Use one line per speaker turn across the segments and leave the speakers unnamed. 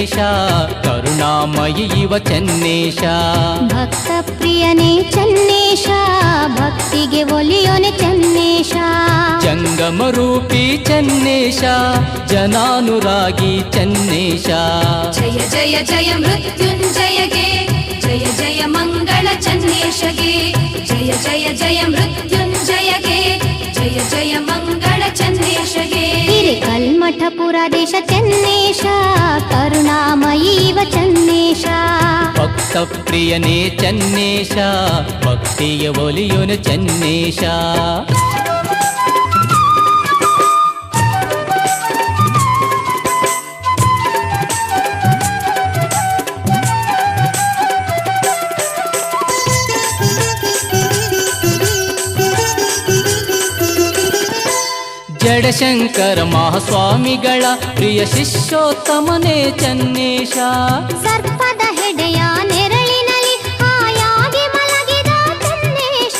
ಚನ್ನೇಶ ಕರುಣಾಮಯಿ ಇವ ಚನ್ನೇಶ
ಭಕ್ತ ಪ್ರಿಯನೇ ಚನ್ನೇಶ ಭಕ್ತಿಗೆ ಒಲಿಯೋನೆ ಚನ್ನೇಶ
ಜಂಗಮ ರೂಪಿ ಚನ್ನೇಶ ಜನಾನುರಾಗಿ ಚನ್ನೇಶ
ಜಯ ಜಯ ಜಯ ಮೃತ್ಯುಂಜಯಗೆ ಜಯ ಜಯ ಮಂಗಳ ಚನ್ನೇಶಗೆ ಜಯ ಜಯ ಜಯ ಮೃತ್ಯುಂಜಯಗೆ ಜಯ ಜಯ ಮಂಗಳ ಚನ್ನೇಶಗೆ
ಹಿರೇಕಲ್ಮಠಪುರದೇಶ ಚನ್ನೇಶ ಕರುಣಾಮಯಿ ಇವ ಚನ್ನೇಶ
ಭಕ್ತ ಪ್ರಿಯನೇ ಚನ್ನೇಶ ಭಕ್ತಿಯ ಒಲಿಯೋನೆ ಚನ್ನೇಶ ಜಡಶಂಕರ ಮಹಾಸ್ವಾಮಿಗಳ ಪ್ರಿಯ ಶಿಷ್ಯೋತ್ತಮನೇ ಚನ್ನೇಶ
ಸರ್ಪದ ಹೆಡೆಯ ನೆರಳಿನಲ್ಲಿ ಹಾಯಾಗಿ ಮಲಗಿದ ಚನ್ನೇಶ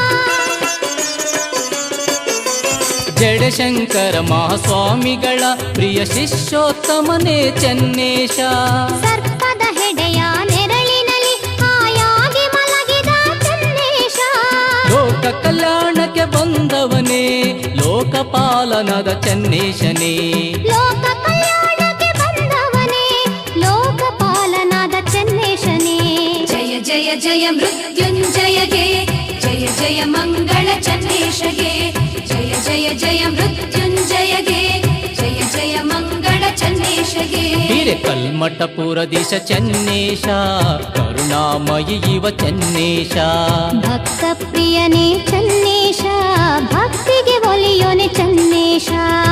ಜಡಶಂಕರ ಮಹಾಸ್ವಾಮಿಗಳ ಪ್ರಿಯ ಶಿಷ್ಯೋತ್ತಮನೇ ಚನ್ನೇಶ
ಸರ್ಪದ ಹೆಡೆಯ ನೆರಳಿನಲ್ಲಿ ಹಾಯಾಗಿ ಮಲಗಿದ ಚನ್ನೇಶ
ಲೋಕ ಕಲ್ಯಾಣಕ್ಕೆ ಬಂದವನೇ ಲೋಕಪಾಲನದ ಚನ್ನೇಶನೇ
ಲೋಕ ಕಲ್ಯಾಣಕ್ಕೆ ಬಂದವನೇ ಲೋಕಪಾಲನಾದ ಚನ್ನೇಶನೇ
ಜಯ ಜಯ ಜಯ ಮೃತ್ಯುಂಜಯಗೆ ಜಯ ಜಯ ಮಂಗಳ ಚನ್ನೇಶಗೆ ಜಯ ಜಯ ಜಯ ಮೃತ್ಯುಂಜಯಗೆ ಜಯ ಜಯ ಮಂಗಳ ಚನ್ನೇಶಗೆ
ಹಿರೇಕಲ್ಮಠಪುರದೇಶ ಚನ್ನೇಶ ಕರುಣಾಮಯಿ ಇವ ಚನ್ನೇಶ
ಭಕ್ತ ಪ್ರಿಯನೇ ಚನ್ನೇಶ ಭಕ್ತಿಗೆ ಒಲಿಯೋನೆ ಚನ್ನೇಶ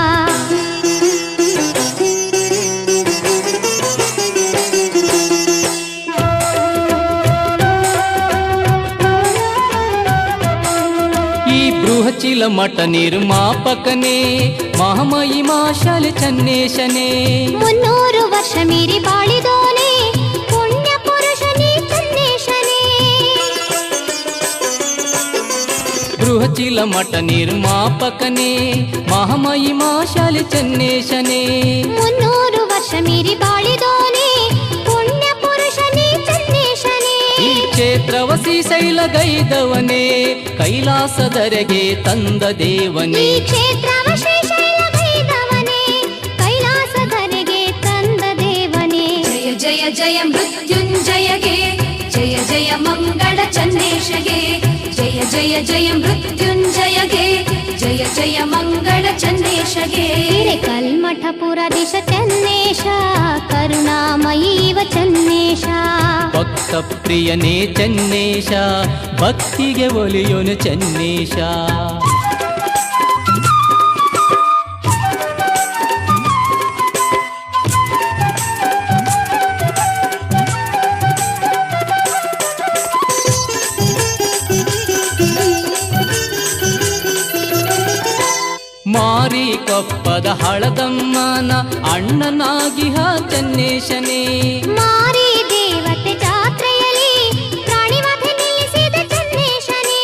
ಈ ಬೃಹಚಿಲ ಮಠ ನಿರ್ಮಾಪಕನೇ ಮಹಾಮಹಿಮಾ ಶಾಲೆ ಚನ್ನೇಶನೇ
300 ವರ್ಷ ಮೀರಿ ಬಾಳಿದೋನೆ ಪುಣ್ಯ ಪುರುಷನೇ ಚನ್ನೇಶನೇ
ಬೃಹಚಿಲ ಮಠ ನಿರ್ಮಾಪಕನೇ ಮಹಾಮಹಿಮಾ ಶಾಲೆ ಚನ್ನೇಶನೇ
300 ವರ್ಷ ಮೀರಿ ಬಾಳಿದೋನೆ ಪುಣ್ಯ ಪುರುಷನೇ ಚನ್ನೇಶನೇ
ಈ ಕ್ಷೇತ್ರವ ಶ್ರೀಶೈಲಗೈದವನೇ ಕೈಲಾಸದರೆಗೆ ತಂದ ದೇವನೇ
ಈ ಕ್ಷೇತ್ರವ ಶ್ರೀಶೈಲಗೈದವನೇ ಕೈಲಾಸದರೆಗೆ ತಂದ ದೇವನೇ
ಜಯ ಜಯ ಜಯ ಮೃತ್ಯುಂಜಯಗೆ ಜಯ ಜಯ ಮಂಗಳ ಚನ್ನೇಶಗೆ ಜಯ ಜಯ ಜಯ ಮೃತ್ಯುಂಜಯಗೆ ಜಯ ಜಯ ಮಂಗಳ ಚನ್ನೇಶಗೆ
ಹಿರೇಕಲ್ಮಠಪುರದೇಶ ಚನ್ನೇಶ ಕರುಣಾಮಯಿ ಇವ ಚನ್ನೇಶ
ಭಕ್ತ ಪ್ರಿಯನೇ ಚನ್ನೇಶ ಭಕ್ತಿಗೆ ಒಲಿಯೋನು ಚನ್ನೇಶ ಮಾರಿ ಕೊಪ್ಪದ ಹಳದಮ್ಮನ ಅಣ್ಣನಾಗಿಹ ಚನ್ನೇಶನೇ
ಮಾರಿ ದೇವತೆ ಜಾತ್ರೆಯಲ್ಲಿ ಪ್ರಾಣಿವಧೆ ನಿಲ್ಲಿಸಿದ ಚನ್ನೇಶನೇ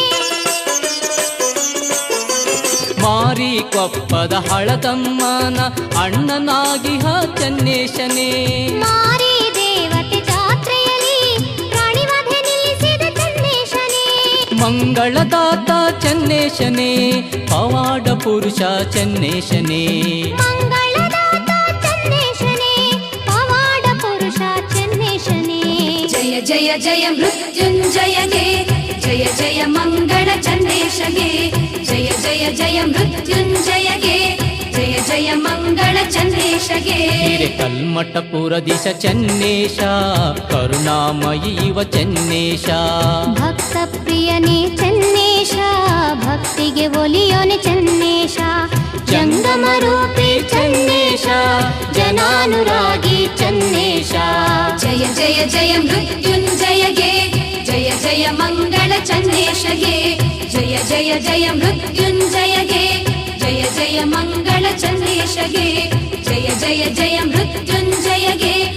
ಮಾರಿ ಕೊಪ್ಪದ ಹಳದಮ್ಮನ ಅಣ್ಣನಾಗಿಹ ಚನ್ನೇಶನೇ
ಮಾರಿ ದೇವತೆ ಜಾತ್ರೆಯಲ್ಲಿ ಪ್ರಾಣಿವಧೆ ನಿಲ್ಲಿಸಿದ ಚನ್ನೇಶನೇ
ಮಂಗಳದಾತ ಚನ್ನೇಶನೇ ಪವಾಡ ಪುರುಷ ಚನ್ನೇಶನೇ
ಮಂಗಳದಾತ ಚನ್ನೇಶನೇ ಪವಾಡ ಪುರುಷ ಚನ್ನೇಶನೇ
ಜಯ ಜಯ ಜಯ ಮೃತ್ಯುಂಜಯಗೆ ಜಯ ಜಯ ಮಂಗಳ ಚನ್ನೇಶಗೆ ಜಯ ಜಯ ಜಯ ಮೃತ್ಯುಂಜಯಗೆ ಜಯ ಜಯ ಮಂಗಳ ಚನ್ನೇಶಗೆ
ಹಿರೇಕಲ್ಮಠಪುರದೇಶ ಚನ್ನೇಶ ಕರುಣಾಮಯಿ ಇವ ಚನ್ನೇಶ
ಭಕ್ತ ಪ್ರಿಯನೇ ಚನ್ನೇಶ ಭಕ್ತಿಗೆ ಒಲಿಯೋನೆ ಚನ್ನೇಶ ಜಂಗಮ ರೂಪಿ ಚನ್ನೇಶ ಜನಾನುರಾಗಿ ಚನ್ನೇಶ
ಜಯ ಜಯ ಜಯ ಮೃತ್ಯುಂಜಯಗೆ ಜಯ ಜಯ ಮಂಗಳ ಚನ್ನೇಶಗೆ ಜಯ ಜಯ ಜಯ ಮೃತ್ಯುಂಜಯಗೆ ಜಯ ಜಯ ಮಂಗಳ ಚನ್ನೇಶಗೆ ಜಯ ಜಯ ಜಯ ಮೃತ್ಯುಂಜಯಗೆ